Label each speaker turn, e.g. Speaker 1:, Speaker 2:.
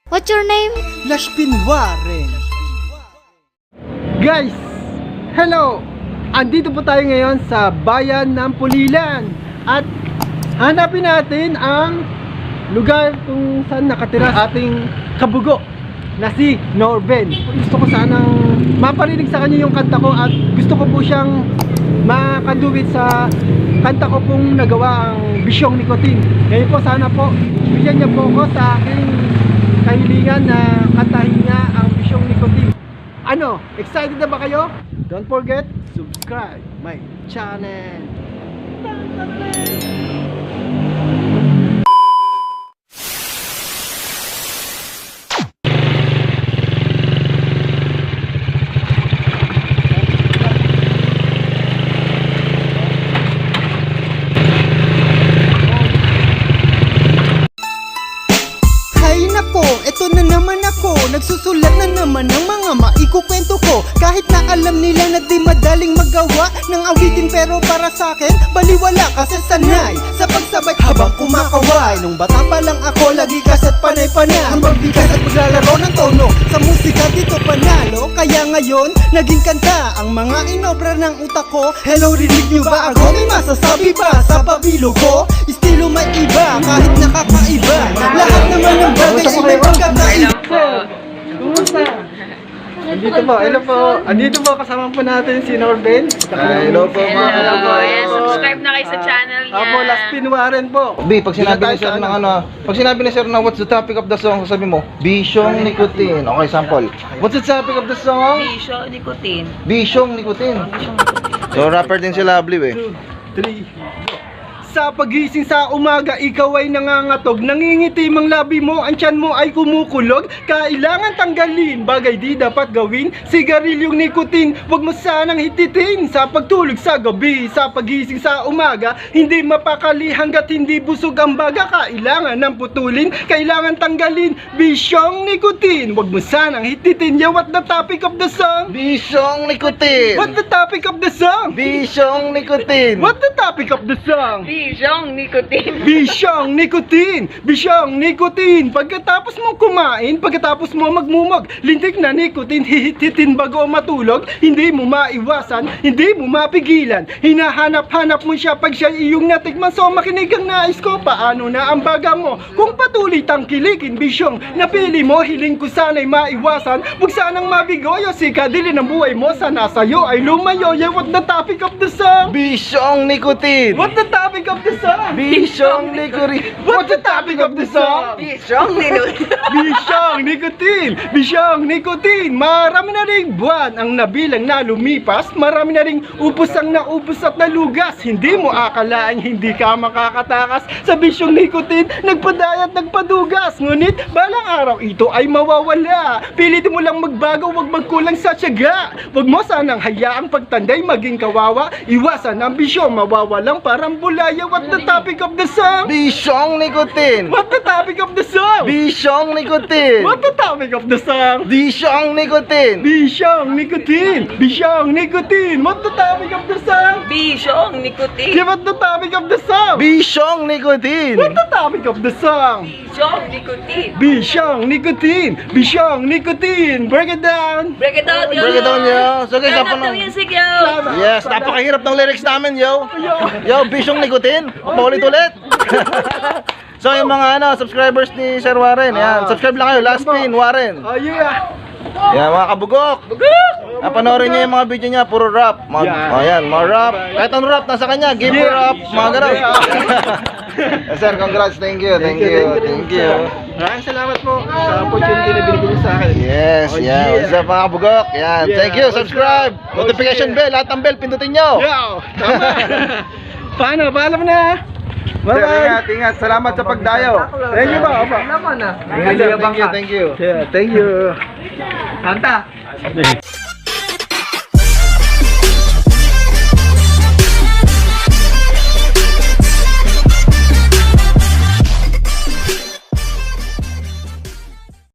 Speaker 1: What's your name?
Speaker 2: Lashpin Warren. Guys, hello! Andito po tayo ngayon sa bayan ng Pulilan. At hanapin natin ang lugar kung saan nakatira ating kabugo na si Norben. Gusto ko sanang maparinig sa kanya yung kanta ko at gusto ko po siyang makaduwit sa kanta ko pong nagawa ang Bisyong Nikotin. Ngayon po sana po bigyan niya po ako sa aking kahilingan na kantahin niya ang Bisyong Nikotin. Ano? Excited na ba kayo? Don't forget, subscribe my channel. Hay nako, eto na naman ako. Nagsusulat na naman ng mga maikukwento ko. Kahit na alam nila na di madaling magawa ng awitin, pero para sa akin baliwala kasi sanay sa pagsabay habang kumakaway. Nung bata pa lang ako, lagi kasa't panay-panay ang magbigas at maglalaro ng tono. Sa musika dito panalo, kaya ngayon naging kanta ang mga inobra ng utak ko. Hello, rinig nyo ba ako? May masasabi ba sa pabilo ko? Estilo may iba, kahit nakakaiba. Lahat naman ng bagay ay may pagkakaiba. Kumusta? Andito po, hello po. Andito po, kasama po natin si Norben. Hello po.
Speaker 3: Hello po. Yes, subscribe na kayo sa channel niya.
Speaker 2: Apo, Lashpin Warren po.
Speaker 4: B, pag sinabi ni sir ng pag sinabi ni sir na what's the topic of the song, sabi mo, Bisyong Nikotin. Okay, sample. What's the topic of the song?
Speaker 3: Bisyo, nikotin.
Speaker 4: Bisyong Nikotin. So, rapper din si Lovely, eh.
Speaker 2: 2, 3, sa pagising sa umaga, ikaw ay nangangatog. Nangingitim ang labi mo, ang tiyan mo ay kumukulog. Kailangan tanggalin, bagay di dapat gawin. Sigarilyong nikotin, wag mo sanang hititin. Sa pagtulog sa gabi, sa pagising sa umaga, hindi mapakali hanggat hindi busog ang baga. Kailangan ng putulin, kailangan tanggalin. Bisyong nikotin, wag mo sanang hititin. Yeah, what the topic of the song?
Speaker 4: Bisyong Nikotin.
Speaker 2: What the topic of the song?
Speaker 4: Bisyong Nikotin.
Speaker 2: What the topic of the song?
Speaker 3: Bisyong nikotin.
Speaker 2: Bisyong nikotin! Bisyong nikotin! Pagkatapos mo kumain, pagkatapos mo magmumog, lintik na nikotin, hihititin bago matulog, hindi mo maiwasan, hindi mo mapigilan. Hinahanap-hanap mo siya pag siya iyong natikman. So makinig ang nais ko, paano na ang baga mo? Kung patuloy tangkilikin, bisyong napili mo, hiling ko sana'y maiwasan. Huwag sanang mabigoyo, si kadili ng buhay mo, sana sa'yo ay lumayo. Yeah, what the topic of the song?
Speaker 4: Bisyong Nikotin.
Speaker 2: What the topic of the song?
Speaker 4: Bisyong Nikotin.
Speaker 2: What's the topic of the song?
Speaker 3: Bisyong nikotin.
Speaker 2: Bisyong nikotin! Bisyong nikotin! Marami na ring buwan ang nabilang na lumipas. Marami na ring upos ang naubos at nalugas. Hindi mo akalain hindi ka makakatakas sa bisyong nikotin. Nagpadayat, nagpadugas. Ngunit balang araw ito ay mawawala. Pilitin mo lang magbago, wag magkulang sa tiyaga. Wag mo sanang hayaang pagtanday maging kawawa. Iwasan ang bisyo, mawawalang parang bulaya. What the topic of the song?
Speaker 4: Bisyong Nikotin.
Speaker 2: What the topic of the song?
Speaker 4: Bisyong Nikotin.
Speaker 2: What the topic of the song?
Speaker 4: Bisyong Nikotin.
Speaker 2: Bisyong nikotin! Bisyong nikotin! What the topic of the song?
Speaker 3: Bisyong nikotin.
Speaker 2: Give us the topic of the song!
Speaker 4: Bisyong Nikotin.
Speaker 2: What the topic of the song?
Speaker 3: Bisyong nikotin.
Speaker 2: Bisyong nikotin! Bisyong nikotin! Break it down!
Speaker 3: Break it down, yo.
Speaker 4: Break it down, yo. So guys,
Speaker 3: Turn up
Speaker 4: tapos
Speaker 3: the
Speaker 4: na.
Speaker 3: music, yo.
Speaker 4: Yes, napakahirap ng lyrics namin, yo. Yo, Bisyong Nikotin. Paulit-ulit. So yung mga subscribers ni Sir Warren, yan. Subscribe lang kayo, Lashpin Warren.
Speaker 2: Oh yeah!
Speaker 4: Yan, mga kabugok. Panoorin niyo yung mga video niya, puro rap. Ayan, mga rap. Kahit anong rap, nasa kanya. Give me rap, mga gano'n. Sir, congrats. Thank you.
Speaker 2: Maraming salamat po sa opportunity na binigay niyo sa akin.
Speaker 4: Yes,
Speaker 2: Oh,
Speaker 4: yeah. What's up, mga kabugok? Yan.
Speaker 2: Yeah.
Speaker 4: Thank you. Subscribe.
Speaker 2: Oh,
Speaker 4: Notification
Speaker 2: yeah.
Speaker 4: bell. Lahat ng bell, pindutin nyo.
Speaker 2: Yo! Tama! Paano? Paalam na! Bye-bye!
Speaker 4: Ingat. Salamat sa pagdayo.
Speaker 2: Thank you ba? Opo.
Speaker 4: Thank you.
Speaker 2: Yeah, thank you.
Speaker 3: Kanta.